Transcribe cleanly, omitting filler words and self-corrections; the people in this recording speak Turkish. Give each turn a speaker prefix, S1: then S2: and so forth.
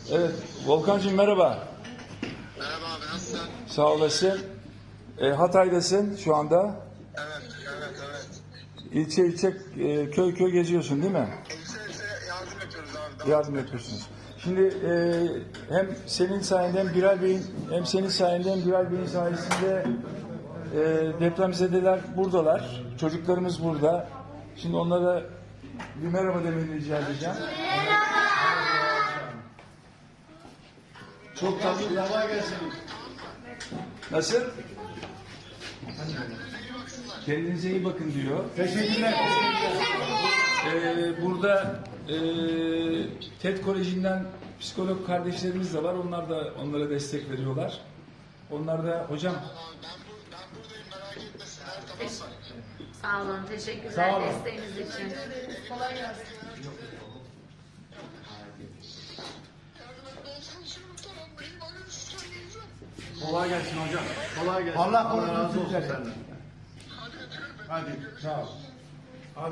S1: Evet, Volkancığım merhaba.
S2: Merhaba abi, nasılsın?
S1: Sağ olasın. Hatay'dasın şu anda.
S2: Evet, evet.
S1: İlçe ilçe, köy köy geziyorsun değil mi?
S2: İlçe yardım yapıyoruz abi.
S1: Yardım yapıyorsunuz. Şimdi hem senin sayende hem Bilal Bey'in hem senin sayende hem Bilal Bey'in sayesinde depremzedeler buradalar. Çocuklarımız burada. Şimdi onlara bir merhaba demeni rica edeceğim. Çok tatlılar. Nasıl? Kendinize iyi bakın diyor.
S3: Teşekkürler.
S1: Burada TED Koleji'nden psikolog kardeşlerimiz de var. Onlar da onlara destek veriyorlar. Onlar da hocam
S2: Ben buradayım, merak etmesinler, tamam mı?
S4: Sağ olun, teşekkürler
S1: Sağ olun.
S4: desteğiniz için.
S3: Kolay gelsin.
S2: Yardımcı olsun, tamam mı? İyi siz söyleyeceğim.
S3: Kolay gelsin hocam. Kolay gelsin.
S5: Allah
S3: razı
S5: korusun
S3: olsun
S5: sizleri.
S3: senden. Hadi.
S5: Sağ ol.